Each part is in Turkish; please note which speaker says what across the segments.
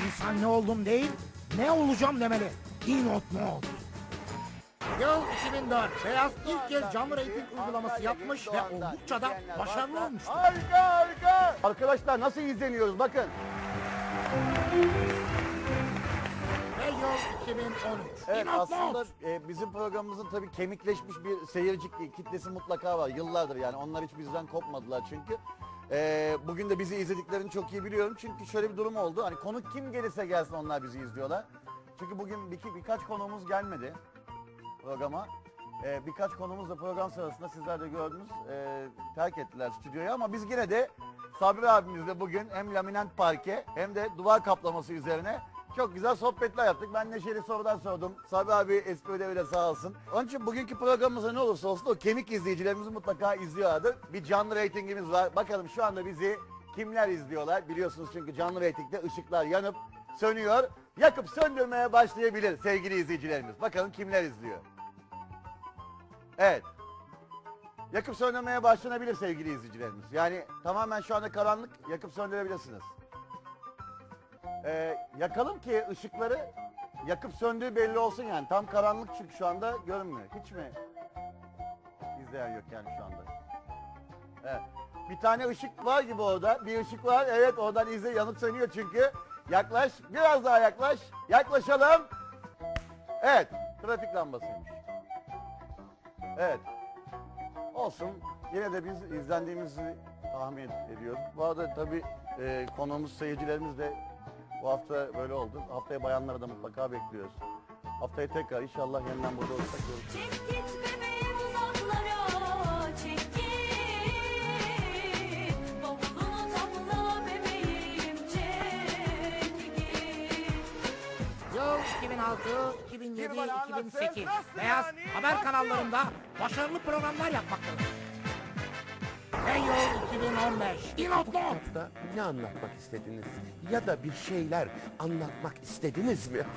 Speaker 1: İnsan ne oldum değil, ne olacağım demeli. Dinot Mod. Yıl 2004. Beyaz ilk kez canlı reyting uygulaması yapmış ve oldukça da başarılı olmuştu.
Speaker 2: Harika harika. Arkadaşlar nasıl izleniyoruz bakın.
Speaker 1: Ve yıl 2013.
Speaker 2: Evet
Speaker 1: Dinot
Speaker 2: aslında
Speaker 1: Mod.
Speaker 2: bizim programımızın tabii kemikleşmiş bir seyirci kitlesi mutlaka var. Yıllardır yani onlar hiç bizden kopmadılar çünkü. Bugün de bizi izlediklerini çok iyi biliyorum. Çünkü şöyle bir durum oldu. Hani konuk kim gelirse gelsin onlar bizi izliyorlar. Çünkü bugün birkaç konuğumuz gelmedi programa. Birkaç konuğumuz da program sırasında sizler de gördünüz terk ettiler stüdyoyu ama biz yine de Sabri abimizle bugün hem laminant parke hem de duvar kaplaması üzerine çok güzel sohbetler yaptık. Ben neşeli sorular sordum. Sabri abi espri ödeviyle sağ olsun. Onun için bugünkü programımızda ne olursa olsun o kemik izleyicilerimiz mutlaka izliyorlardır. Bir canlı reytingimiz var. Bakalım şu anda bizi kimler izliyorlar? Biliyorsunuz çünkü canlı reytingde ışıklar yanıp sönüyor. Yakıp söndürmeye başlayabilir sevgili izleyicilerimiz. Bakalım kimler izliyor? Evet. Yakıp söndürmeye başlanabilir sevgili izleyicilerimiz. Yani tamamen şu anda karanlık, yakıp söndürebilirsiniz. Yakalım ki ışıkları yakıp söndüğü belli olsun yani. Tam karanlık çünkü şu anda görünmüyor. Hiç mi izleyen yok yani şu anda? Evet. Bir tane ışık var gibi orada. Bir ışık var. Evet oradan izle yanıp sönüyor çünkü. Yaklaş. Biraz daha yaklaş. Yaklaşalım. Evet. Trafik lambasıymış. Evet. Olsun. Yine de biz izlendiğimizi tahmin ediyoruz. Bu arada tabii konuğumuz, seyircilerimiz de bu hafta böyle oldu. Haftaya bayanları da mutlaka bekliyoruz. Haftaya tekrar inşallah yeniden burada olursak görüşürüz.
Speaker 3: Çek git bebeğim uzaklara, çek git. Bavulunu topla bebeğim, çek git.
Speaker 1: Yıl 2006, 2007, 2008. Beyaz haber kanallarında başarılı programlar yapmaktadır. Ve yıl 2015. Dinot Mod.
Speaker 4: Da ne anlatmak istediniz? Ya da bir şeyler anlatmak istediniz mi?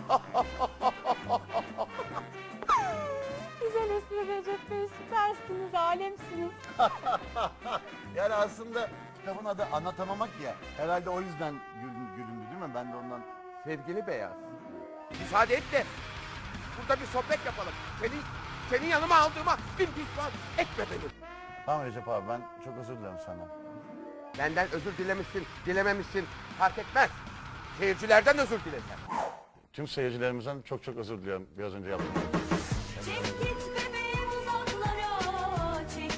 Speaker 5: Güzel espri Recep Bey, süpersiniz, alemsiniz.
Speaker 2: Yani aslında kitabın adı Anlatamamak ya. Herhalde o yüzden gülündü değil mi? Ben de ondan sevgili Beyaz.
Speaker 4: Müsaade et de burada bir sohbet yapalım. Senin yanıma aldığıma bin pişman etme beni.
Speaker 2: Tamam Recep abi ben çok özür dilerim senden.
Speaker 4: Benden özür dilemişsin, dilememişsin fark etmez. Seyircilerden özür dilesen.
Speaker 2: Tüm seyircilerimizden çok özür diliyorum biraz önce yaptığım.
Speaker 3: Çek git bebeğim uzaklara, çek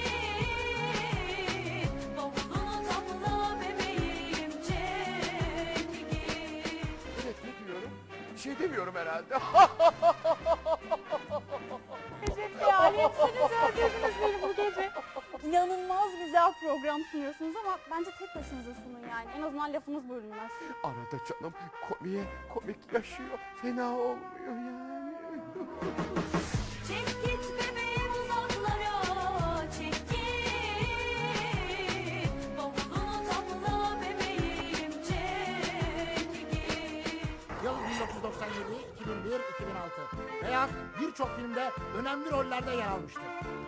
Speaker 3: git. Bavulunu topla bebeğim, çek git.
Speaker 4: Evet ne diyorum? Bir şey demiyorum herhalde.
Speaker 5: Recep Bey, alemsiniz, öldürdünüz beni bu gece. İnanılmaz güzel program sunuyorsunuz ama bence tek başınıza sunun yani. En azından lafınız bölünmez.
Speaker 4: Arada canım komik yaşıyor. Fena olmuyor yani.
Speaker 3: Çek git bebeğim uzaklara, çek git. Bavulunu topla bebeğim, çek git.
Speaker 1: Yıl 1997, 2001, 2006. Beyaz birçok filmde önemli rollerde yer almıştır.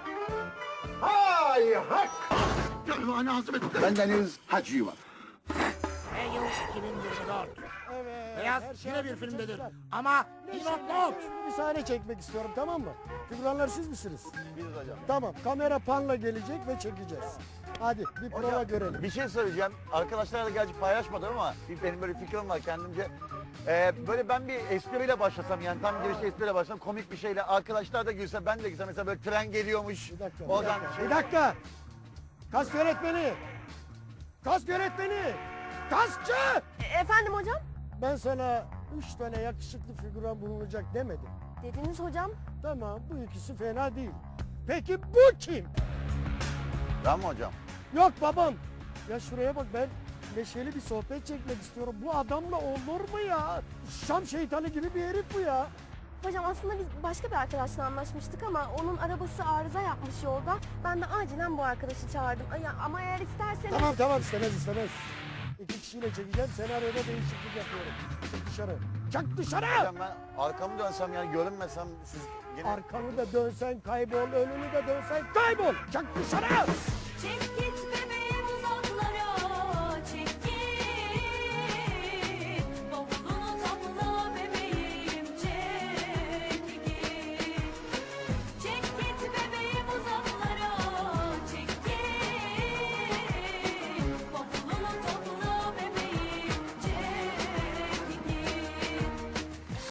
Speaker 6: Hay hak! Ben Deniz Hacı var.
Speaker 1: Ve yıl 2024. Beyaz yine bir filmdedir. Ama Dinot Mod.
Speaker 7: Bir sahne çekmek istiyorum, tamam mı? Figüranlar siz misiniz?
Speaker 2: Biz hocam.
Speaker 7: Tamam, kamera panla gelecek ve çekeceğiz. Hadi bir prova
Speaker 2: Hocam,
Speaker 7: görelim.
Speaker 2: bir şey söyleyeceğim. Arkadaşlarla gerçi paylaşmadım ama benim böyle bir fikrim var kendimce. Böyle ben bir espriyle başlasam yani tam girişte espriyle başlasam komik bir şeyle arkadaşlar da gülse ben de gülsem mesela böyle tren geliyormuş.
Speaker 7: Bir dakika,
Speaker 2: Oradan
Speaker 7: bir dakika. Kask öğretmeni! Kask öğretmeni! Kaskçı!
Speaker 5: Efendim hocam?
Speaker 7: Ben sana 3 tane yakışıklı figüran bulunacak demedim.
Speaker 5: Dediniz hocam.
Speaker 7: Tamam, bu ikisi fena değil. Peki bu kim?
Speaker 2: Ben mi hocam?
Speaker 7: Yok babam. Ya şuraya bak, ben neşeli bir sohbet çekmek istiyorum. Bu adamla olur mu ya? Şam şeytanı gibi bir herif bu ya.
Speaker 5: Hocam aslında biz başka bir arkadaşla anlaşmıştık ama onun arabası arıza yapmış yolda. Ben de acilen bu arkadaşı çağırdım. Ama eğer isterseniz...
Speaker 7: Tamam istemez. 2 kişiyle çekeceğim, senaryoda değişiklik yapıyorum. Çık dışarı. Çık dışarı!
Speaker 2: Hocam ben arkamı dönsem yani görünmesem siz gene...
Speaker 7: Arkanı da dönsen kaybol, önünü de dönsen kaybol. Çık dışarı!
Speaker 3: Çek git bebeğim